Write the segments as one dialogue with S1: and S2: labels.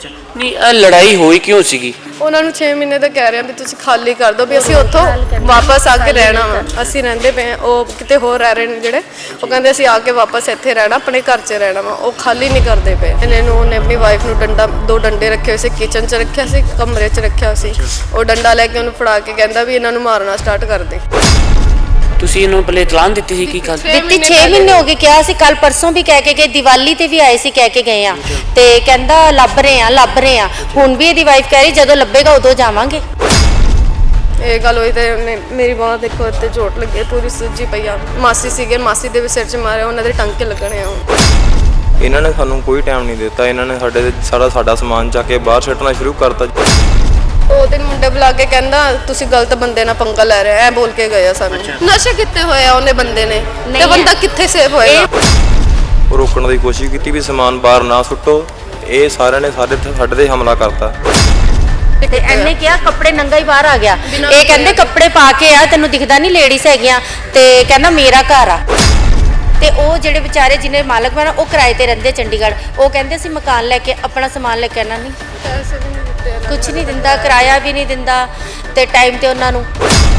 S1: ਅੱਛਾ ਨਹੀਂ ਲੜਾਈ ਹੋਈ ਕਿਉਂ ਸੀਗੀ?
S2: ਉਹਨਾਂ ਨੂੰ 6 ਮਹੀਨੇ ਦਾ ਕਹਿ ਰਹੇ ਆ ਵੀ ਤੁਸੀਂ ਖਾਲੀ ਕਰ ਦਿਓ ਵੀ ਅਸੀਂ ਉੱਥੋਂ ਵਾਪਸ ਆ ਕੇ ਰਹਿਣਾ ਵਾ। ਅਸੀਂ ਰਹਿੰਦੇ ਪਏ ਉਹ ਕਿਤੇ ਹੋਰ ਰਹਿ ਰਹੇ ਨੇ ਜਿਹੜੇ, ਉਹ ਕਹਿੰਦੇ ਅਸੀਂ ਆ ਕੇ ਵਾਪਸ ਇੱਥੇ ਰਹਿਣਾ, ਆਪਣੇ ਘਰ 'ਚ ਰਹਿਣਾ ਵਾ। ਉਹ ਖਾਲੀ ਨਹੀਂ ਕਰਦੇ ਪਏ। ਉਹਨੇ ਆਪਣੀ ਵਾਈਫ ਨੂੰ ਦੋ ਡੰਡੇ ਰੱਖੇ ਹੋਏ ਸੀ, ਕਿਚਨ 'ਚ ਰੱਖਿਆ ਸੀ, ਕਮਰੇ 'ਚ ਰੱਖਿਆ ਸੀ। ਉਹ ਡੰਡਾ ਲੈ ਕੇ ਉਹਨੂੰ ਫੜਾ ਕੇ ਕਹਿੰਦਾ ਵੀ ਇਹਨਾਂ ਨੂੰ ਮਾਰਨਾ ਸਟਾਰਟ ਕਰ ਦੇ।
S1: ਤੁਸੀਂ ਇਹਨੂੰ ਪਹਿਲੇ ਇਤਲਾਨ ਦਿੱਤੀ ਸੀ? ਕੀ ਗੱਲ
S3: ਦਿੱਤੀ 6 ਮਹੀਨੇ ਹੋ ਗਏ, ਕਿਹਾ ਸੀ ਕੱਲ ਪਰਸੋਂ ਵੀ ਕਹਿ ਕੇ ਗਏ, ਦੀਵਾਲੀ ਤੇ ਵੀ ਆਏ ਸੀ ਕਹਿ ਕੇ ਗਏ ਆ, ਤੇ ਕਹਿੰਦਾ ਲੱਭ ਰਹੇ ਆ। ਹੁਣ ਵੀ ਇਹਦੀ ਵਾਈਫ ਕਹਿ ਰਹੀ ਜਦੋਂ ਲੱਭੇਗਾ ਉਦੋਂ ਜਾਵਾਂਗੇ।
S2: ਇਹ ਗੱਲ ਹੋਈ ਤੇ ਮੇਰੀ ਬਾਂਹ ਦੇਖੋ ਇੱਥੇ ਚੋਟ ਲੱਗੀ, ਪੂਰੀ ਸੁੱਜੀ ਪਈ ਆ। ਮਾਸੀ ਸੀਗੇ, ਮਾਸੀ ਦੇ ਵੀ ਸਿਰ 'ਚ ਮਾਰਿਆ, ਉਹਨਾਂ ਦੇ ਟਾਂਕੇ ਲੱਗਣੇ ਆ।
S4: ਇਹਨਾਂ ਨੇ ਸਾਨੂੰ ਕੋਈ ਟਾਈਮ ਨਹੀਂ ਦਿੱਤਾ। ਇਹਨਾਂ ਨੇ ਸਾਡਾ ਸਮਾਨ ਚੱਕ ਕੇ ਬਾਹਰ ਸੁੱਟਣਾ ਸ਼ੁਰੂ ਕਰਤਾ।
S2: ਉਹ ਦਿਨ ਮੁੰਡੇ ਬੁਲਾ ਕੇ ਕਹਿੰਦਾ ਤੁਸੀਂ ਗਲਤ ਬੰਦੇ ਨਾਲ ਪੰਗਾ ਲੈ ਰਹੇ ਐ ਬੋਲ ਕੇ ਗਏ ਆ ਸਾਨੂੰ। ਨਸ਼ੇ ਕਿੱਥੇ ਹੋਏ ਆ ਉਹਨੇ ਬੰਦੇ ਨੇ, ਤੇ ਬੰਦਾ ਕਿੱਥੇ ਸੇਫ ਹੋਏਗਾ?
S4: ਉਹ ਰੋਕਣ ਦੀ ਕੋਸ਼ਿਸ਼ ਕੀਤੀ ਵੀ ਸਮਾਨ ਬਾਹਰ ਨਾ ਸੁੱਟੋ। ਇਹ ਸਾਰਿਆਂ ਨੇ ਸਾਡੇ ਤੇ ਹਮਲਾ ਕਰਤਾ।
S3: ਤੇ ਇਹਨੇ ਕਿਹਾ ਕੱਪੜੇ ਨੰਗਾ ਹੀ ਬਾਹਰ ਆ ਗਿਆ। ਇਹ ਕਹਿੰਦੇ ਕੱਪੜੇ ਪਾ ਕੇ ਆ, ਤੈਨੂੰ ਦਿਖਦਾ ਨਹੀਂ ਲੇਡੀਜ਼ ਹੈਗੀਆਂ, ਤੇ ਕਹਿੰਦਾ ਮੇਰਾ ਘਰ ਆ। ਤੇ ਉਹ ਜਿਹੜੇ ਵਿਚਾਰੇ ਜਿਹਨੇ ਮਾਲਕ ਬਣਾ ਉਹ ਕਿਰਾਏ ਤੇ ਰਹਿੰਦੇ ਚੰਡੀਗੜ੍ਹ, ਉਹ ਕਹਿੰਦੇ ਅਸੀਂ ਮਕਾਨ ਲੈ ਕੇ ਆਪਣਾ ਸਮਾਨ ਲੈ ਕੇ ਆਣਾ ਨਹੀਂ,
S2: ਪੈਸੇ ਵੀ ਨਹੀਂ ਦਿੱਤੇ,
S3: ਕੁਝ ਨਹੀਂ ਦਿੰਦਾ, ਕਿਰਾਇਆ ਵੀ ਨਹੀਂ ਦਿੰਦਾ, ਤੇ ਟਾਈਮ ਤੇ ਉਹਨਾਂ ਨੂੰ।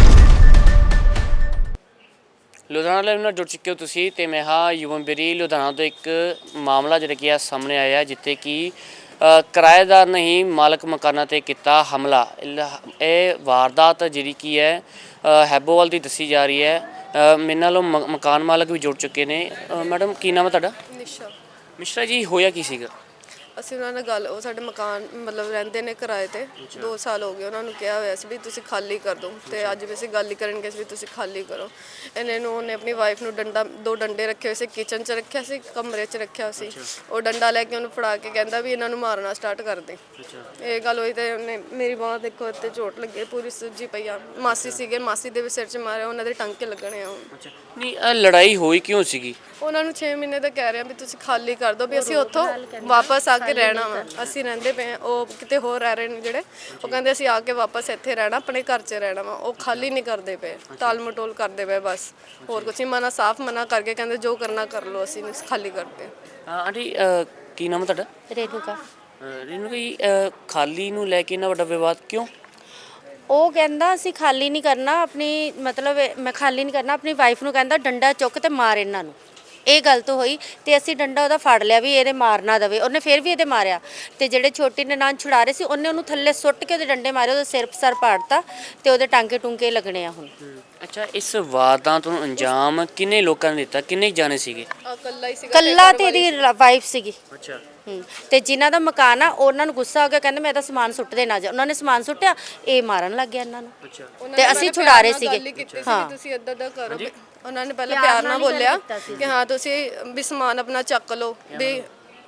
S1: ਲੁਧਿਆਣਾ ਲਾਈਵ ਨਾਲ ਜੁੜ ਚੁੱਕੇ ਹੋ ਤੁਸੀਂ, ਤੇ ਮੈਂ ਹਾਂ ਯੁਵਮ ਬੇਰੀ। ਲੁਧਿਆਣਾ ਤੋਂ ਇੱਕ ਮਾਮਲਾ ਜਿਹੜਾ ਕਿ ਆ ਸਾਹਮਣੇ ਆਇਆ, ਜਿੱਥੇ ਕਿ ਕਿਰਾਏਦਾਰ ਨੇ ਹੀ ਮਾਲਕ ਮਕਾਨਾਂ ਤੇ ਕੀਤਾ ਹਮਲਾ। ਇਹ ਵਾਰਦਾਤ ਜਿਹੜੀ ਕੀ ਹੈ ਹੈਬੋਵਾਲ ਦੀ ਦੱਸੀ ਜਾ ਰਹੀ ਹੈ। ਮੇਰੇ ਨਾਲ ਮਕਾਨ ਮਾਲਕ ਵੀ ਜੁੜ ਚੁੱਕੇ ਨੇ। ਮੈਡਮ ਕੀ ਨਾਮ ਹੈ ਤੁਹਾਡਾ?
S2: ਨਿਸ਼ਾ।
S1: ਮਿਸ਼ਰਾ ਜੀ, ਹੋਇਆ ਕੀ ਸੀਗਾ?
S2: ਅਸੀਂ ਉਹਨਾਂ ਨਾਲ ਗੱਲ, ਉਹ ਸਾਡੇ ਮਕਾਨ ਮਤਲਬ ਰਹਿੰਦੇ ਨੇ ਕਿਰਾਏ ਤੇ, 2 ਸਾਲ ਹੋ ਗਏ। ਉਹਨਾਂ ਨੂੰ ਕਿਹਾ ਹੋਇਆ ਸੀ ਵੀ ਤੁਸੀਂ ਖਾਲੀ ਕਰ ਦਿਓ, ਤੇ ਅੱਜ ਵੀ ਅਸੀਂ ਗੱਲ ਹੀ ਕਰਨਗੇ ਵੀ ਤੁਸੀਂ ਖਾਲੀ ਕਰੋ। ਉਹਨੇ ਆਪਣੀ ਵਾਈਫ ਨੂੰ ਦੋ ਡੰਡੇ ਰੱਖੇ ਹੋਏ ਸੀ, ਕਿਚਨ 'ਚ ਰੱਖਿਆ ਸੀ, ਕਮਰੇ 'ਚ ਰੱਖਿਆ ਸੀ। ਉਹ ਡੰਡਾ ਲੈ ਕੇ ਉਹਨੂੰ ਫੜਾ ਕੇ ਕਹਿੰਦਾ ਵੀ ਇਹਨਾਂ ਨੂੰ ਮਾਰਨਾ ਸਟਾਰਟ ਕਰ ਦੇ। ਇਹ ਗੱਲ ਹੋਈ ਤੇ ਮੇਰੀ ਬਾਂਹ ਦੇਖੋ ਇੱਥੇ ਚੋਟ ਲੱਗੀ, ਪੂਰੀ ਸੁੱਜੀ ਪਈ ਆ। ਮਾਸੀ ਸੀਗੇ, ਮਾਸੀ ਦੇ ਵੀ ਸਿਰ 'ਚ ਮਾਰਿਆ, ਉਹਨਾਂ ਦੇ ਟਾਂਕੇ ਲੱਗਣੇ ਆ।
S1: ਨਹੀਂ ਲੜਾਈ ਹੋਈ ਕਿਉਂ ਸੀਗੀ?
S2: ਉਹਨਾਂ ਨੂੰ 6 ਮਹੀਨੇ ਦਾ ਕਹਿ ਰਹੇ ਆ ਵੀ ਤੁਸੀਂ ਖਾਲੀ ਕਰ ਦਿਓ ਵੀ ਅਸੀਂ ਉੱਥੋਂ ਵਾਪਸ ਆ ਕੇ ਰਹਿਣਾ ਵਾ। ਅਸੀਂ ਰਹਿੰਦੇ ਪਏ ਉਹ ਕਿਤੇ ਹੋਰ ਰਹਿ ਰਹੇ ਨੇ ਜਿਹੜੇ, ਉਹ ਕਹਿੰਦੇ ਅਸੀਂ ਆ ਕੇ ਵਾਪਸ ਇੱਥੇ ਰਹਿਣਾ, ਆਪਣੇ ਘਰ 'ਚ ਰਹਿਣਾ ਵਾ। ਉਹ ਖਾਲੀ ਨਹੀਂ ਕਰਦੇ ਪਏ, ਟਾਲ ਮਟੋਲ ਕਰਦੇ ਪਏ ਬਸ, ਹੋਰ ਕੁਛ ਨਹੀਂ। ਮਨਾ ਸਾਫ਼ ਮਨਾ ਕਰਕੇ ਕਹਿੰਦੇ ਜੋ ਕਰਨਾ ਕਰ ਲਓ, ਅਸੀਂ ਨਹੀਂ ਖਾਲੀ ਕਰਦੇ।
S1: ਆਂਟੀ ਕੀ ਨਾਮ ਹੈ ਤੁਹਾਡਾ?
S3: ਰੇਨੂਕਾ।
S1: ਰੇਨੂਕਾ ਜੀ, ਖਾਲੀ ਨੂੰ ਲੈ ਕੇ ਇੰਨਾ ਵੱਡਾ ਵਿਵਾਦ ਕਿਉਂ?
S3: ਉਹ ਕਹਿੰਦਾ ਅਸੀਂ ਖਾਲੀ ਨਹੀਂ ਕਰਨਾ ਆਪਣੀ, ਮਤਲਬ ਮੈਂ ਖਾਲੀ ਨਹੀਂ ਕਰਨਾ ਆਪਣੀ ਵਾਈਫ ਨੂੰ ਕਹਿੰਦਾ ਡੰਡਾ ਚੁੱਕ ਤੇ ਮਾਰ ਇਹਨਾਂ ਨੂੰ। ਇਹ ਗਲਤ ਹੋਈ ਤੇ ਅਸੀਂ ਡੰਡਾ ਉਹਦਾ ਫੜ ਲਿਆ ਵੀ ਇਹਦੇ ਮਾਰ ਨਾ ਦੇਵੇ। ਉਹਨੇ ਫਿਰ ਵੀ ਇਹਦੇ ਮਾਰਿਆ, ਤੇ ਜਿਹੜੇ ਛੋਟੀ ਨਨਾਣ ਛੁਡਾ ਰਹੇ ਸੀ ਉਹਨੇ ਉਹਨੂੰ ਥੱਲੇ ਸੁੱਟ ਕੇ ਉਹਦੇ ਡੰਡੇ ਮਾਰੇ, ਉਹਦਾ ਸਿਰ ਪਾੜਤਾ, ਤੇ ਉਹਦੇ ਟਾਂਕੇ ਟੁੰਕੇ ਲੱਗਣੇ ਆ ਹੁਣ।
S1: ਅੱਛਾ, ਇਸ ਵਾਰਦਾਤ ਨੂੰ ਅੰਜਾਮ ਕਿੰਨੇ ਲੋਕਾਂ ਨੇ ਦਿੱਤਾ? ਕਿੰਨੇ ਜਾਣੇ ਸੀਗੇ?
S2: ਇਕੱਲਾ ਹੀ ਸੀਗਾ,
S3: ਕੱਲਾ ਤੇ ਇਹਦੀ ਵਾਈਫ ਸੀਗੀ।
S1: ਅੱਛਾ।
S3: ਤੇ ਜਿਨ੍ਹਾਂ ਦਾ ਮਕਾਨ ਆ ਉਹਨਾਂ ਨੂੰ ਗੁੱਸਾ ਹੋ ਗਿਆ, ਕਹਿੰਦੇ ਮੈਂ ਤਾਂ ਸਮਾਨ ਸੁੱਟ ਦੇਣਾ ਜਾ। ਉਹਨਾਂ ਨੇ ਸਮਾਨ ਸੁੱਟਿਆ, ਇਹ ਮਾਰਨ ਲੱਗ ਗਿਆ ਇਹਨਾਂ ਨੂੰ।
S1: ਅੱਛਾ।
S3: ਤੇ ਅਸੀਂ ਛੁਡਾ ਰਹੇ ਸੀਗੇ।
S2: ਹਾਂ, ਤੁਸੀਂ ਇਦਾਂ ਦਾ ਕਰੋ। ਉਹਨਾਂ ਨੇ ਪਹਿਲਾਂ ਪਿਆਰ ਨਾਲ ਬੋਲਿਆ ਕਿ ਹਾਂ ਤੁਸੀਂ ਵੀ ਸਮਾਨ ਆਪਣਾ ਚੱਕ ਲਓ, ਵੀ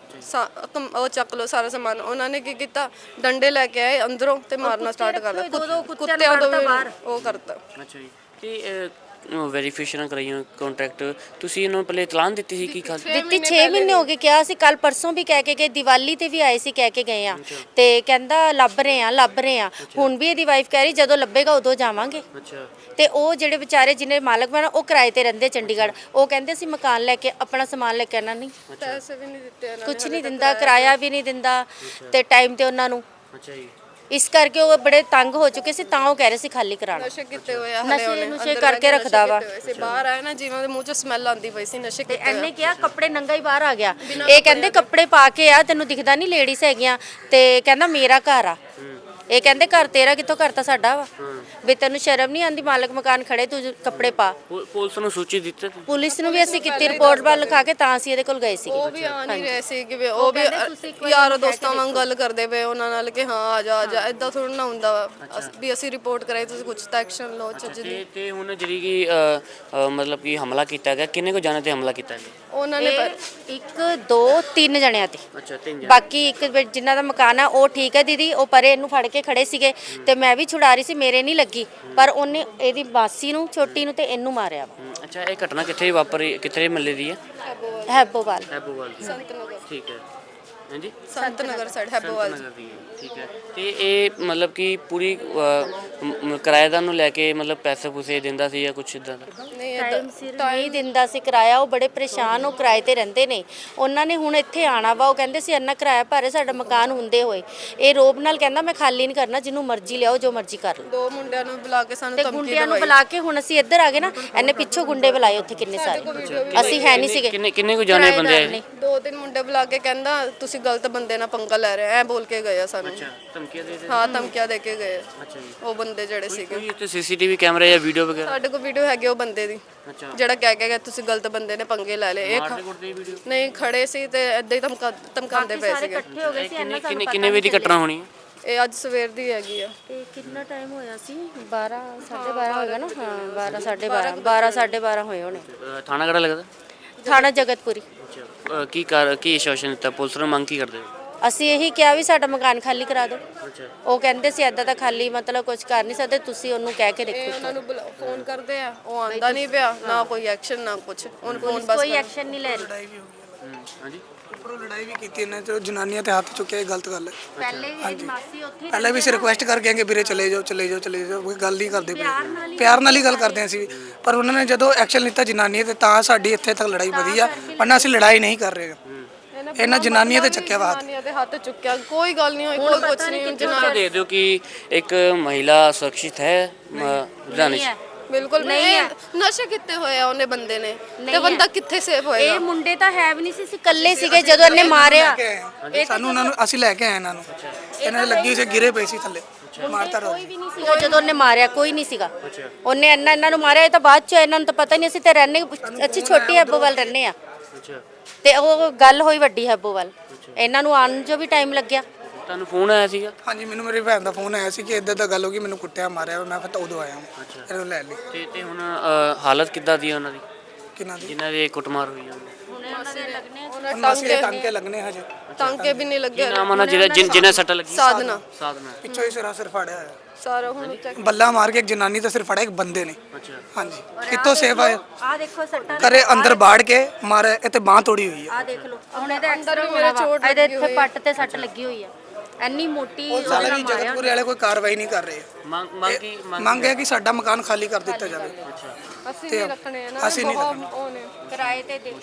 S2: ਉਹ ਚੱਕ ਲਓ ਸਾਰਾ ਸਮਾਨ। ਉਹਨਾਂ ਨੇ ਕੀ ਕੀਤਾ, ਡੰਡੇ ਲੈ ਕੇ ਆਏ ਅੰਦਰੋਂ ਤੇ ਮਾਰਨਾ ਸਟਾਰਟ ਕਰ ਦਿੱਤਾ। ਕੁੱਤਿਆਂ ਤੋਂ ਵੀ ਉਹ ਕਰਤਾ।
S1: ਅੱਛਾ ਜੀ। ਤੇ ਵੈਰੀਫਿਕੇਸ਼ਨ ਕਰਾਈਆਂ ਕੰਟਰੈਕਟ, ਤੁਸੀਂ ਇਹਨੂੰ ਪਹਿਲੇ ਇਤਲਾਨ ਦਿੱਤੀ ਸੀ? ਕੀ ਗੱਲ
S3: ਦਿੱਤੀ 6 ਮਹੀਨੇ ਹੋ ਗਏ, ਕਿਹਾ ਸੀ ਕੱਲ ਪਰਸੋਂ ਵੀ ਕਹਿ ਕੇ ਗਏ, ਦੀਵਾਲੀ ਤੇ ਵੀ ਆਏ ਸੀ ਕਹਿ ਕੇ ਗਏ ਆ, ਤੇ ਕਹਿੰਦਾ ਲੱਭ ਰਹੇ ਆ। ਹੁਣ ਵੀ ਇਹਦੀ ਵਾਈਫ ਕਹਿ ਰਹੀ ਜਦੋਂ ਲੱਭੇਗਾ ਉਦੋਂ ਜਾਵਾਂਗੇ।
S1: ਅੱਛਾ।
S3: ਤੇ ਉਹ ਜਿਹੜੇ ਵਿਚਾਰੇ ਜਿਹਨੇ ਮਾਲਕ ਬਣਾ ਉਹ ਕਿਰਾਏ ਤੇ ਰਹਿੰਦੇ ਚੰਡੀਗੜ੍ਹ, ਉਹ ਕਹਿੰਦੇ ਅਸੀਂ ਮਕਾਨ ਲੈ ਕੇ ਆਪਣਾ ਸਮਾਨ ਲੈ ਕੇ ਆਣਾ ਨਹੀਂ,
S2: ਪੈਸੇ ਵੀ ਨਹੀਂ ਦਿੱਤੇ,
S3: ਕੁਝ ਨਹੀਂ ਦਿੰਦਾ, ਕਿਰਾਇਆ ਵੀ ਨਹੀਂ ਦਿੰਦਾ, ਤੇ ਟਾਈਮ ਤੇ ਉਹਨਾਂ ਨੂੰ।
S1: ਅੱਛਾ ਜੀ।
S3: ਇਸ ਕਰਕੇ ਉਹ ਬੜੇ ਤੰਗ ਹੋ ਚੁੱਕੇ ਸੀ, ਤਾਂ ਉਹ ਕਹਿ ਰਹੇ ਸੀ ਖਾਲੀ ਕਰਾਣਾ।
S2: ਨਸ਼ੇ ਕਿਤੇ ਹੋਇਆ,
S3: ਨਸ਼ੇ ਕਰਕੇ ਰੱਖਦਾ ਵਾ।
S2: ਬਾਹਰ ਆਇਆ ਨਾ, ਜਿਵੇਂ ਉਹਦੇ ਮੂੰਹ 'ਚ ਸਮੈਲ ਆਉਂਦੀ ਪਈ ਸੀ ਨਸ਼ੇ
S3: ਤੇ ਇਹਨੇ ਕਿਹਾ ਕੱਪੜੇ ਨੰਗਾ ਹੀ ਬਾਹਰ ਆ ਗਿਆ। ਇਹ ਕਹਿੰਦੇ ਕੱਪੜੇ ਪਾ ਕੇ ਆ, ਤੈਨੂੰ ਦਿਖਦਾ ਨਹੀਂ ਲੇਡੀਜ਼ ਹੈਗੀਆਂ, ਤੇ ਕਹਿੰਦਾ ਮੇਰਾ ਘਰ ਆ। ਇਹ ਕਹਿੰਦੇ ਘਰ ਤੇਰਾ ਕਿੱਥੋਂ, ਘਰ ਤਾਂ ਸਾਡਾ ਵਾ। ਵੀ ਤੈਨੂੰ ਸ਼ਰਮ ਨਹੀਂ ਆਉਂਦੀ, ਮਾਲਕ ਮਕਾਨ ਖੜੇ, ਤੂੰ ਕੱਪੜੇ ਪਾ।
S1: ਪੁਲਿਸ ਨੂੰ ਸੂਚੀ ਦਿੱਤੀ?
S3: ਪੁਲਿਸ ਨੂੰ ਵੀ ਅਸੀਂ ਕੀਤੀ, ਰਿਪੋਰਟ ਵੱਲ ਲਿਖਾ ਕੇ ਤਾਂ ਅਸੀਂ ਇਹਦੇ ਕੋਲ ਗਏ ਸੀ।
S2: ਉਹ ਵੀ ਆ ਨਹੀਂ ਰਹੇ ਸੀ ਕਿ ਉਹ ਵੀ ਯਾਰ ਦੋਸਤਾਂ ਵਾਂਗ ਗੱਲ ਕਰਦੇ ਪਏ ਉਹਨਾਂ ਨਾਲ ਕਿ ਹਾਂ ਆ ਜਾ ਇਦਾਂ ਥੋੜਾ ਨਾ ਹੁੰਦਾ ਵੀ ਅਸੀਂ ਰਿਪੋਰਟ ਕਰਾਈ, ਤੁਸੀਂ ਕੁਝ ਤਾਂ ਐਕਸ਼ਨ ਲਓ ਚੱਜ ਦੀ।
S1: ਤੇ ਹੁਣ ਜਿਹੜੀ ਕਿ ਮਤਲਬ ਕਿ ਹਮਲਾ ਕੀਤਾ ਗਿਆ, ਕਿੰਨੇ ਕੋ ਜਾਣੇ ਤੇ ਹਮਲਾ ਕੀਤਾ ਗਿਆ?
S3: ਉਹਨਾਂ ਨੇ 1 2 3 ਜਣਿਆਂ ਤੇ।
S1: ਅੱਛਾ, 3 ਜਣੇ।
S3: ਬਾਕੀ ਇੱਕ ਜਿਨ੍ਹਾਂ ਦਾ ਮਕਾਨ ਆ ਉਹ ਠੀਕ ਹੈ ਦੀਦੀ, ਉਹ ਪਰੇ ਇਹਨੂੰ ਫੜ ਕੇ ਖੜੇ ਸੀਗੇ, ਤੇ ਮੈਂ ਵੀ ਛੁਡਾ ਰਹੀ ਸੀ, ਮੇਰੇ ਨਹੀਂ ਲੱਗੀ, ਪਰ ਉਹਨੇ ਇਹਦੀ ਮਾਸੀ ਨੂੰ, ਛੋਟੀ ਨੂੰ, ਤੇ ਇਹਨੂੰ ਮਾਰਿਆ ਵਾ।
S1: ਅੱਛਾ, ਇਹ ਘਟਨਾ ਕਿੱਥੇ ਵਾਪਰੀ, ਕਿੱਥੇ ਮਹੱਲੇ ਦੀ ਹੈ?
S3: ਹੈਬੋਵਾਲ।
S1: ਹੈਬੋਵਾਲ ਦੀ।
S2: ਸੰਤ ਨਗਰ।
S1: ਠੀਕ ਹੈ। ਹਾਂਜੀ,
S2: ਸੰਤ ਨਗਰ ਸਾਈਡ ਹੈਬੋਵਾਲ।
S1: ਠੀਕ ਹੈ। ਤੇ ਇਹ ਮਤਲਬ ਕਿ ਪੂਰੀ ਕਿਰਾਏਦਾਰ ਨੂੰ ਲੈ ਕੇ ਮਤਲਬ ਪੈਸੇ ਪੂਸੇ ਦਿੰਦਾ ਸੀ ਜਾਂ ਕੁਛ ਇਦਾਂ ਦਾ?
S2: ਨਹੀਂ,
S3: ਟਾਈਮ ਸਿਰ ਨਹੀਂ ਦਿੰਦਾ ਸੀ ਕਿਰਾਇਆ। ਉਹ ਬੜੇ ਪਰੇਸ਼ਾਨ, ਉਹ ਕਿਰਾਏ ਤੇ ਰਹਿੰਦੇ ਨੇ। ਉਹਨਾਂ ਨੇ ਹੁਣ ਇੱਥੇ ਆਣਾ ਵਾ, ਉਹ ਕਹਿੰਦੇ ਸੀ ਇੰਨਾ ਕਿਰਾਇਆ ਭਰੇ ਸਾਡਾ ਮਕਾਨ ਹੁੰਦੇ ਹੋਏ। ਇਹ ਰੋਬ ਨਾਲ ਕਹਿੰਦਾ ਮੈਂ ਖਾਲੀ ਨਹੀਂ ਕਰਨਾ, ਜਿਹਨੂੰ ਮਰਜ਼ੀ ਲਿਆਓ, ਜੋ ਮਰਜ਼ੀ ਕਰ ਲਓ।
S2: 2 ਮੁੰਡਿਆਂ ਨੂੰ ਬੁਲਾ ਕੇ ਸਾਨੂੰ
S3: ਤੇ
S2: ਧਮਕੀ
S3: ਗੁੰਡਿਆਂ ਨੂੰ
S2: ਦਵਾਈ।
S3: ਬੁਲਾ ਕੇ ਹੁਣ ਅਸੀਂ ਇੱਧਰ ਆ ਗਏ ਨਾ, ਇਹਨੇ ਪਿੱਛੋਂ ਗੁੰਡੇ ਬੁਲਾਏ ਉੱਥੇ ਕਿੰਨੇ ਸਾਰੇ। ਅਸੀਂ ਹੈ ਨਹੀਂ ਸੀਗੇ।
S1: ਕਿੰਨੇ ਕੁ ਜਾਣੇ ਬੰਦੇ ਆਏ?
S2: 2-3 ਮੁੰਡੇ ਬੁਲਾ ਕੇ ਕਹਿੰਦਾ ਤੁਸੀਂ ਗਲਤ ਬੰਦੇ ਨਾਲ ਪੰਗਾ ਲੈ ਰਹੇ ਐ ਬੋਲ ਕੇ ਗਏ ਆ ਸਾਨੂੰ।
S1: ਧਮਕੀਆਂ ਦੇ
S2: ਹਾਂ ਧਮਕੀਆਂ ਦੇ ਕੇ ਗਏ ਆ।
S1: ਅੱਛਾ ਜੀ।
S2: ਉਹ ਬੰਦੇ ਜਿਹੜੇ ਸੀਗੇ,
S1: ਕੋਈ ਇੱਥੇ ਸੀਸੀਟੀਵੀ ਕੈਮਰਾ ਜਾਂ ਵੀਡੀਓ ਵਗੈਰਾ?
S2: ਸਾਡੇ ਕੋਲ ਵੀਡੀਓ ਹੈਗੀ ਉਹ ਬੰਦੇ ਦੀ,
S1: ਅੱਛਾ।
S2: ਜਿਹੜਾ ਕਹਿ ਕੇ ਗਿਆ ਤੁਸੀਂ ਗਲਤ ਬੰਦੇ ਨੇ ਪੰਗੇ ਲੈ ਲਏ।
S1: ਮਾਰਦੇ ਵੀਡੀਓ?
S2: ਨਹੀਂ ਖੜੇ ਸੀ ਤੇ ਏਦਾਂ ਹੀ ਧਮਕਾਉਂਦੇ ਪਏ ਸੀਗੇ।
S3: ਇਕੱਠੇ ਹੋ ਗਏ ਸੀ।
S1: ਕਿੰਨੇ ਵਜੇ ਦੀ ਘਟਨਾ ਹੋਣੀ ਹੈ?
S2: ਇਹ ਅੱਜ ਸਵੇਰ ਦੀ ਹੈਗੀ ਆ।
S3: ਤੇ ਕਿੰਨਾ ਟਾਈਮ ਹੋਇਆ ਸੀ? 12 12:30 ਹੋਏਗਾ ਨਾ। ਹਾਂ 12 12:30 ਹੋਏ ਹੋਣੇ।
S1: ਥਾਣਾ ਕਿਹੜਾ ਲੱਗਦਾ?
S3: ਥਾਣਾ ਜਗਤਪੁਰੀ।
S1: ਅੱਛਾ। ਕੀ ਆਸ਼ਵਾਸਨ ਦਿੱਤਾ ਪੁਲਿਸ ਨੂੰ? ਮੰਗ ਕੀ ਕਰਦੇ ਹੋ?
S3: ਅਸੀਂ ਇਹੀ ਕਿਹਾ ਵੀ ਸਾਡਾ ਮਕਾਨ ਖਾਲੀ ਕਰਾ ਦਿਓ।
S1: ਅੱਛਾ।
S3: ਉਹ ਕਹਿੰਦੇ ਸੀ ਐਦਾਂ ਤਾਂ ਖਾਲੀ ਮਤਲਬ ਕੁਝ ਕਰ ਨਹੀਂ ਸਕਦੇ, ਤੁਸੀਂ ਉਹਨੂੰ ਕਹਿ ਕੇ
S2: ਇਹ
S3: ਦੇਖੋ।
S2: ਉਹਨਾਂ ਨੂੰ ਫੋਨ ਕਰਦੇ ਆ, ਉਹ ਆਂਦਾ ਨਹੀਂ ਪਿਆ, ਨਾ ਕੋਈ ਐਕਸ਼ਨ ਨਾ ਕੁਝ। ਉਹਨ ਫੋਨ ਬਸ
S3: ਕੋਈ ਐਕਸ਼ਨ ਨਹੀਂ ਲੈ ਰਹੀ।
S1: ਹਾਂਜੀ।
S5: ਉੱਪਰੋਂ ਲੜਾਈ ਵੀ ਕੀਤੀ ਇਹਨਾਂ ਤੇ ਜਨਾਨੀਆਂ ਤੇ ਹੱਥ ਚੁੱਕਿਆ, ਇਹ ਗਲਤ ਗੱਲ ਹੈ।
S3: ਪਹਿਲੇ ਵੀ ਇਹਦੀ ਮਾਸੀ ਉੱਥੇ
S5: ਪਹਿਲਾਂ ਵੀ ਅਸੀਂ ਰਿਕੁਐਸਟ ਕਰਕੇ ਆਏ ਕਿ ਵੀਰੇ ਚਲੇ ਜਾਓ ਚਲੇ ਜਾਓ ਚਲੇ ਜਾਓ, ਕੋਈ ਗੱਲ ਨਹੀਂ ਕਰਦੇ ਪਏ। ਪਿਆਰ ਨਾਲ ਹੀ ਗੱਲ ਕਰਦੇ ਹਾਂ ਅਸੀਂ ਵੀ, ਪਰ ਉਹਨਾਂ ਨੇ ਜਦੋਂ ਐਕਸ਼ਨ ਲਿੱਤਾ ਜਨਾਨੀਆਂ ਤੇ ਤਾਂ ਸਾਡੀ ਇੱਥੇ ਤੱਕ ਲੜਾਈ ਵਧੀ ਆ। ਵਰਨਾ ਅਸੀਂ ਲੜਾਈ ਨਹੀਂ ਕਰ ਰਹੇ। ਇਹਨਾਂ ਜਨਾਨੀਆਂ ਤੇ ਚੱਕਿਆ ਵਾ
S2: ਜਨਾਨੀਆਂ ਦੇ ਹੱਥ ਚੁੱਕਿਆ, ਕੋਈ ਗੱਲ ਨਹੀਂ ਹੋਈ, ਕੋਈ ਕੁਝ ਨਹੀਂ।
S1: ਜਨਾਬ ਦੇ ਦਿਓ ਕਿ ਇੱਕ ਮਹਿਲਾ ਸੁਰੱਖਿਅਤ ਹੈ ਲੁਧਿਆਣੇ 'ਚ?
S2: ਬਿਲਕੁਲ ਨਹੀਂ। ਨਸ਼ੇ ਕੀਤੇ ਹੋਏ ਆ ਉਹਨੇ ਬੰਦੇ ਨੇ, ਤੇ ਬੰਦਾ ਕਿੱਥੇ ਸੇਫ ਹੋਏਗਾ?
S3: ਇਹ ਮੁੰਡੇ ਤਾਂ ਹੈ ਵੀ ਨਹੀਂ ਸੀ, ਅਸੀਂ ਇਕੱਲੇ ਸੀਗੇ ਜਦੋਂ ਇਹਨੇ ਮਾਰਿਆ।
S5: ਸਾਨੂੰ ਉਹਨਾਂ ਨੂੰ ਅਸੀਂ ਲੈ ਕੇ ਆਏ ਇਹਨਾਂ ਨੂੰ। ਇਹਨਾਂ ਦੇ ਲੱਗੀ ਸੀ, ਗਿਰੇ ਪਏ ਸੀ ਥੱਲੇ, ਮਾਰਤਾ ਰੋ।
S3: ਕੋਈ ਵੀ ਨਹੀਂ ਸੀਗਾ ਜਦੋਂ ਉਹਨੇ ਮਾਰਿਆ, ਕੋਈ ਨਹੀਂ ਸੀਗਾ। ਉਹਨੇ ਇਹਨਾਂ ਨੂੰ ਮਾਰਿਆ, ਇਹ ਤਾਂ ਬਾਅਦ ਚ ਇਹਨਾਂ ਨੂੰ ਤਾਂ ਪਤਾ ਨਹੀਂ। ਅਸੀਂ ਤਾਂ ਰਹਿੰਦੇ, ਅਸੀਂ ਛੋਟੀ ਹੈਬੋਵਾਲ ਰਹਿੰਦੇ ਆ। ਤੇ ਉਹ ਗੱਲ ਹੋਈ ਵੱਡੀ ਹੈਬੋਵਾਲ। ਇਹਨਾਂ ਨੂੰ ਆਉਣ ਜੋ ਵੀ ਟਾਈਮ ਲੱਗਿਆ।
S1: ਤੁਹਾਨੂੰ ਫੋਨ ਆਇਆ ਸੀਗਾ?
S5: ਹਾਂਜੀ, ਮੈਨੂੰ ਮੇਰੀ ਭੈਣ ਦਾ ਫੋਨ ਆਇਆ ਸੀ ਕਿ ਇੱਦਾਂ ਦਾ ਗੱਲ ਹੋ ਗਈ, ਮੈਨੂੰ ਕੁੱਟਿਆ ਮਾਰਿਆ। ਮੈਂ ਫਿਰ ਤਾਂ ਉਦੋਂ ਆਇਆ ਹਾਂ, ਇਹਨੂੰ ਲੈ ਲਈ।
S1: ਤੇ ਹੁਣ ਹਾਲਤ ਕਿੱਦਾਂ ਦੀ ਹੈ ਉਹਨਾਂ ਦੀ,
S5: ਕਿਨਾਂ ਦੀ?
S1: ਜਿਨ੍ਹਾਂ ਦੇ ਕੁੱਟਮਾਰ ਹੋਈ ਹੈ?
S5: ਮਾਸੀ ਦੇ ਟਾਂਕੇ ਲੱਗਣੇ ਹਜੇ।
S2: ਟਾਂਕੇ ਵੀ ਨਹੀਂ ਲੱਗੇ।
S1: ਨਾਮ ਉਹਨਾਂ ਜਿਹਨਾਂ ਸੱਟ ਲੱਗੀ?
S2: ਸਾਧਨਾ।
S1: ਸਾਧਨਾ।
S5: ਪਿੱਛੋਂ ਹੀ ਸਿਰ ਫਾੜਿਆ ਹੋਇਆ
S2: ਸਾਰਾ ਹੁਣ ਚੈੱਕ।
S5: ਬੱਲਾ ਮਾਰ ਕੇ ਇੱਕ ਜਨਾਨੀ ਦਾ ਸਿਰ ਫੜਿਆ, ਇੱਕ ਬੰਦੇ ਨੇ।
S1: ਅੱਛਾ।
S5: ਹਾਂਜੀ, ਕਿੱਥੋਂ ਸੇਫ ਆਏ?
S3: ਆਹ ਦੇਖੋ ਸੱਟਾਂ।
S5: ਘਰੇ ਅੰਦਰ ਬਾੜ ਕੇ ਮਾਰਿਆ, ਇਹ ਤੇ ਬਾਂਹ ਤੋੜੀ ਹੋਈ ਹੈ।
S3: ਆਹ ਦੇਖ ਲਓ, ਹੁਣ ਇਹਦੇ ਅੰਦਰ ਮੇਰੇ ਚੋਟ, ਇਹਦੇ ਇੱਥੇ ਪੱਟ ਤੇ ਸੱਟ ਲੱਗੀ ਹੋਈ ਆ। ਇੰਨੀ ਮੋਟੀ
S5: ਸਾਲੇ ਵੀ ਜਗਤਪੁਰ ਵਾਲੇ ਕੋਈ ਕਾਰਵਾਈ ਨਹੀਂ ਕਰ ਰਹੇ। ਮੰਗ ਹੈ ਕਿ ਸਾਡਾ ਮਕਾਨ ਖਾਲੀ ਕਰ ਦਿੱਤਾ ਜਾਵੇ।
S2: ਅਸੀਂ ਨਹੀਂ ਰੱਖਣੇ ਆ ਨਾ,
S5: ਅਸੀਂ ਨਹੀਂ
S2: ਬਹੁਤ ਉਹ ਨੇ
S3: ਕਿਰਾਏ ਤੇ ਦੇ।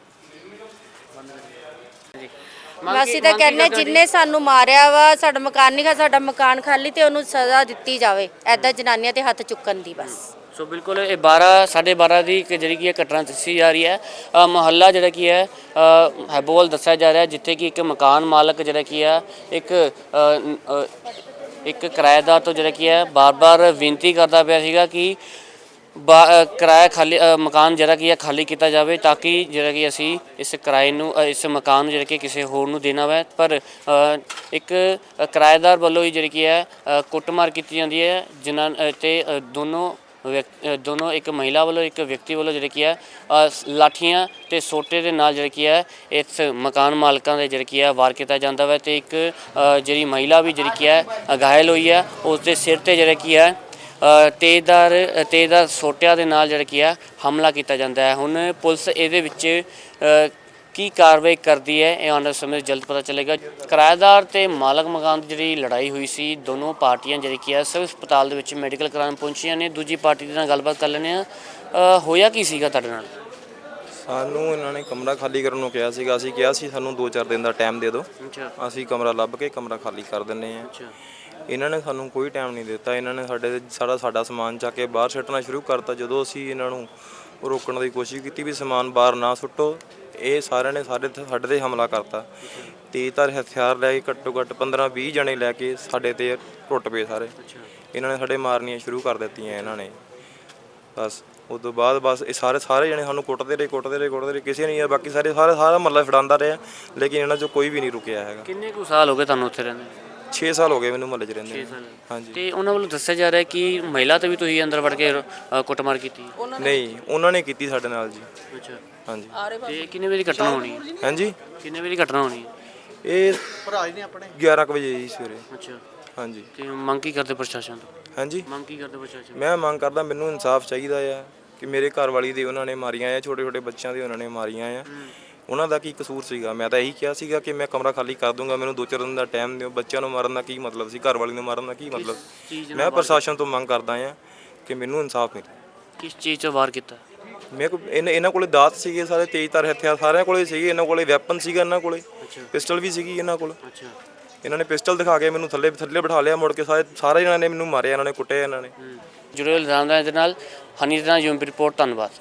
S3: ਅਸੀਂ ਤਾਂ ਕਹਿੰਦੇ ਜਿੰਨੇ ਸਾਨੂੰ ਮਾਰਿਆ ਵਾ, ਸਾਡਾ ਮਕਾਨ ਨਹੀਂ ਖਾ, ਸਾਡਾ ਮਕਾਨ ਖਾਲੀ ਤੇ ਉਹਨੂੰ ਸਜ਼ਾ ਦਿੱਤੀ ਜਾਵੇ। ਐਦਾਂ ਜਨਾਨੀਆਂ ਤੇ ਹੱਥ ਚੁੱਕਣ ਦੀ ਬਸ।
S1: ਸੋ ਬਿਲਕੁਲ ਇਹ 12:30 ਦੀ ਇੱਕ ਜਿਹੜੀ ਕੀ ਹੈ ਘਟਨਾ ਦੱਸੀ ਜਾ ਰਹੀ ਹੈ। ਮੁਹੱਲਾ ਜਿਹੜਾ ਕੀ ਹੈ ਹੈਬੋਵਾਲ ਦੱਸਿਆ ਜਾ ਰਿਹਾ, ਜਿੱਥੇ ਕਿ ਇੱਕ ਮਕਾਨ ਮਾਲਕ ਜਿਹੜਾ ਕੀ ਹੈ ਇੱਕ ਕਿਰਾਏਦਾਰ ਤੋਂ ਜਿਹੜਾ ਕੀ ਹੈ ਬਾਰ-ਬਾਰ ਬੇਨਤੀ ਕਰਦਾ ਪਿਆ ਸੀਗਾ ਕਿ ਕਿਰਾਇਆ ਖਾਲੀ ਮਕਾਨ ਜਿਹੜਾ ਕੀ ਹੈ ਖਾਲੀ ਕੀਤਾ ਜਾਵੇ, ਤਾਂ ਕਿ ਜਿਹੜਾ ਕਿ ਅਸੀਂ ਇਸ ਕਿਰਾਏ ਨੂੰ ਇਸ ਮਕਾਨ ਨੂੰ ਜਿਹੜਾ ਕਿ ਕਿਸੇ ਹੋਰ ਨੂੰ ਦੇਣਾ ਵਾ। ਪਰ ਇੱਕ ਕਿਰਾਏਦਾਰ ਵੱਲੋਂ ਹੀ ਜਿਹੜੀ ਕੀ ਹੈ ਕੁੱਟਮਾਰ ਕੀਤੀ ਜਾਂਦੀ ਹੈ, ਜਿਨ੍ਹਾਂ ਤੇ ਦੋਨੋਂ ਇੱਕ ਮਹਿਲਾ ਵੱਲੋਂ ਇੱਕ ਵਿਅਕਤੀ ਵੱਲੋਂ ਜਿਹੜੇ ਕੀ ਹੈ ਲਾਠੀਆਂ ਤੇ ਸੋਟੇ ਦੇ ਨਾਲ ਜਿਹੜਾ ਕੀ ਹੈ ਇਸ ਮਕਾਨ ਮਾਲਕਾਂ ਦੇ ਜਿਹੜਾ ਕੀ ਹੈ ਵਾਰ ਕੀਤਾ ਜਾਂਦਾ ਵਾ। ਤੇ ਇੱਕ ਜਿਹੜੀ ਮਹਿਲਾ ਵੀ ਜਿਹੜੀ ਕੀ ਹੈ ਘਾਇਲ ਹੋਈ ਹੈ, ਉਸ ਦੇ ਸਿਰ ਤੇ ਜਿਹੜਾ ਕੀ ਹੈ ਤੇਜ਼ਦਾਰ ਸੋਟਿਆਂ ਦੇ ਨਾਲ ਜਿਹੜਾ ਕੀ ਹੈ ਹਮਲਾ ਕੀਤਾ ਜਾਂਦਾ ਹੈ। ਹੁਣ ਪੁਲਿਸ ਇਹਦੇ ਵਿੱਚ ਕੀ ਕਾਰਵਾਈ ਕਰਦੀ ਹੈ, ਇਹ ਆਉਣ ਵਾਲੇ ਸਮੇਂ ਜਲਦ ਪਤਾ ਚੱਲੇਗਾ। ਕਿਰਾਏਦਾਰ ਤੇ ਮਾਲਕ ਮਕਾਨ ਦੀ ਜਿਹੜੀ ਲੜਾਈ ਹੋਈ ਸੀ, ਦੋਨੋਂ ਪਾਰਟੀਆਂ ਜਿਹੜੀ ਕੀ ਹੈ ਸਿਵਲ ਹਸਪਤਾਲ ਦੇ ਵਿੱਚ ਮੈਡੀਕਲ ਕਰਾਉਣ ਪਹੁੰਚੀਆਂ ਨੇ। ਦੂਜੀ ਪਾਰਟੀ ਦੇ ਨਾਲ ਗੱਲਬਾਤ ਕਰ ਲੈਂਦੇ ਆ। ਹੋਇਆ ਕੀ ਸੀਗਾ ਤੁਹਾਡੇ ਨਾਲ?
S4: ਸਾਨੂੰ ਇਹਨਾਂ ਨੇ ਕਮਰਾ ਖਾਲੀ ਕਰਨ ਨੂੰ ਕਿਹਾ ਸੀਗਾ। ਅਸੀਂ ਕਿਹਾ ਸੀ ਸਾਨੂੰ 2-4 ਦਿਨ ਦਾ ਟਾਈਮ ਦੇ ਦਿਓ, ਅਸੀਂ ਕਮਰਾ ਲੱਭ ਕੇ ਕਮਰਾ ਖਾਲੀ ਕਰ ਦਿੰਦੇ ਹਾਂ। ਇਹਨਾਂ ਨੇ ਸਾਨੂੰ ਕੋਈ ਟਾਈਮ ਨਹੀਂ ਦਿੱਤਾ। ਇਹਨਾਂ ਨੇ ਸਾਡਾ ਸਮਾਨ ਚੱਕ ਕੇ ਬਾਹਰ ਸੁੱਟਣਾ ਸ਼ੁਰੂ ਕਰਤਾ। ਜਦੋਂ ਅਸੀਂ ਇਹਨਾਂ ਨੂੰ ਰੋਕਣ ਦੀ ਕੋਸ਼ਿਸ਼ ਕੀਤੀ ਵੀ ਸਮਾਨ ਬਾਹਰ ਨਾ ਸੁੱਟੋ, ਇਹ ਸਾਰਿਆਂ ਨੇ ਸਾਡੇ ਤੇ ਹਮਲਾ ਕਰਤਾ। ਤੇਜ਼ਧਾਰ ਹਥਿਆਰ ਲੈ ਕੇ ਘੱਟੋ ਘੱਟ 15-20 ਜਣੇ ਲੈ ਕੇ ਸਾਡੇ ਤੇ ਟੁੱਟ ਪਏ ਸਾਰੇ। ਇਹਨਾਂ ਨੇ ਸਾਡੇ ਮਾਰਨੀਆਂ ਸ਼ੁਰੂ ਕਰ ਦਿੱਤੀਆਂ ਇਹਨਾਂ ਨੇ। ਬਸ ਉਸ ਤੋਂ ਬਾਅਦ ਬਸ ਇਹ ਸਾਰੇ ਜਣੇ ਸਾਨੂੰ ਕੁੱਟਦੇ ਰਹੇ। ਕਿਸੇ ਨੇ ਬਾਕੀ ਸਾਰਾ ਮਹੱਲਾ ਫੜਾਉਂਦਾ ਰਿਹਾ, ਲੇਕਿਨ ਇਹਨਾਂ 'ਚੋਂ ਕੋਈ ਵੀ ਨਹੀਂ ਰੁਕਿਆ ਹੈਗਾ।
S1: ਕਿੰਨੇ ਕੁ ਸਾਲ ਹੋ ਗਏ ਤੁਹਾਨੂੰ ਉੱਥੇ ਰਹਿੰਦੇ?
S4: 6 ਸਾਲ ਹੋ ਗਏ ਮੈਨੂੰ ਮਹੱਲੇ 'ਚ ਰਹਿੰਦੇ। ਹਾਂਜੀ।
S1: ਤੇ ਉਹਨਾਂ ਵੱਲੋਂ ਦੱਸਿਆ ਜਾ ਰਿਹਾ ਕਿ ਮਹਿਲਾ ਤੇ ਵੀ ਤੁਸੀਂ ਅੰਦਰ ਵੜ ਕੇ ਕੁੱਟਮਾਰ ਕੀਤੀ?
S4: ਨਹੀਂ, ਉਹਨਾਂ ਨੇ ਕੀਤੀ ਸਾਡੇ ਨਾਲ ਜੀ।
S1: ਅੱਛਾ।
S4: ਹਾਂਜੀ।
S1: ਤੇ ਕਿੰਨੇ ਵਜੇ ਦੀ ਘਟਨਾ ਹੋਣੀ ਹੈ?
S4: ਹਾਂਜੀ,
S1: ਕਿੰਨੇ ਵਜੇ ਦੀ ਘਟਨਾ ਹੋਣੀ ਹੈ?
S4: ਇਹ ਭਰਾਜ ਨੇ ਆਪਣੇ 11 ਵਜੇ ਜੀ ਸਵੇਰੇ।
S1: ਅੱਛਾ।
S4: ਹਾਂਜੀ।
S1: ਤੇ ਮੰਗ ਕੀ ਕਰਦੇ ਪ੍ਰਸ਼ਾਸਨ ਤੋਂ?
S4: ਹਾਂਜੀ,
S1: ਮੰਗ ਕੀ ਕਰਦੇ ਪ੍ਰਸ਼ਾਸਨ?
S4: ਮੈਂ ਮੰਗ ਕਰਦਾ ਮੈਨੂੰ ਇਨਸਾਫ ਚਾਹੀਦਾ ਆ ਕਿ ਮੇਰੇ ਘਰ ਵਾਲੀ ਦੇ ਉਹਨਾਂ ਨੇ ਮਾਰੀਆਂ ਆ, ਛੋਟੇ ਬੱਚਿਆਂ ਦੇ ਉਹਨਾਂ ਨੇ ਮਾਰੀਆਂ ਆ। ਉਹਨਾਂ ਦਾ ਕੀ ਕਸੂਰ ਸੀਗਾ? ਮੈਂ ਤਾਂ ਇਹੀ ਕਿਹਾ ਸੀਗਾ ਕਿ ਮੈਂ ਕਮਰਾ ਖਾਲੀ ਕਰ ਦੂੰਗਾ, ਮੈਨੂੰ 2-4 ਦਿਨ ਦਾ ਟਾਈਮ ਦਿਓ। ਬੱਚਿਆਂ ਨੂੰ ਮਾਰਨ ਦਾ ਕੀ ਮਤਲਬ ਸੀ? ਘਰ ਵਾਲੀ ਨੂੰ ਮਾਰਨ ਦਾ ਕੀ ਮਤਲਬ? ਮੈਂ ਪ੍ਰਸ਼ਾਸਨ ਤੋਂ ਮੰਗ ਕਰਦਾ ਆ ਕਿ ਮੈਨੂੰ ਇਨਸਾਫ ਮਿਲੇ।
S1: ਕਿਸ ਚੀਜ਼ 'ਚ ਵਾਰ ਕੀਤਾ?
S4: ਮੇਰੇ ਕੋਲ ਇਹਨਾਂ ਕੋਲੇ ਦਾਤ ਸੀਗੇ, ਸਾਰੇ ਤੇਜ਼ਧਾਰ ਹਥਿਆਰ ਸਾਰਿਆਂ ਕੋਲੇ ਸੀਗੇ, ਇਹਨਾਂ ਕੋਲੇ ਵੈਪਨ ਸੀਗਾ, ਇਹਨਾਂ ਕੋਲੇ ਪਿਸਟਲ ਵੀ ਸੀਗੀ ਇਹਨਾਂ ਕੋਲ। ਇਹਨਾਂ ਨੇ ਪਿਸਟਲ ਦਿਖਾ ਕੇ ਮੈਨੂੰ ਥੱਲੇ ਬਿਠਾ ਲਿਆ, ਮੁੜ ਕੇ ਸਾਰੇ ਜਣਾਂ ਨੇ ਮੈਨੂੰ ਮਾਰਿਆ, ਇਹਨਾਂ ਨੇ ਕੁੱਟਿਆ ਇਹਨਾਂ ਨੇ।
S1: ਜੁੜੇ ਹੋਏ ਲੁਧਿਆਣਾ ਦੇ ਨਾਲ ਹਨੀ ਦੇ ਨਾਲ ਯੂਐਮਪੀ ਰਿਪੋਰਟ। ਧੰਨਵਾਦ।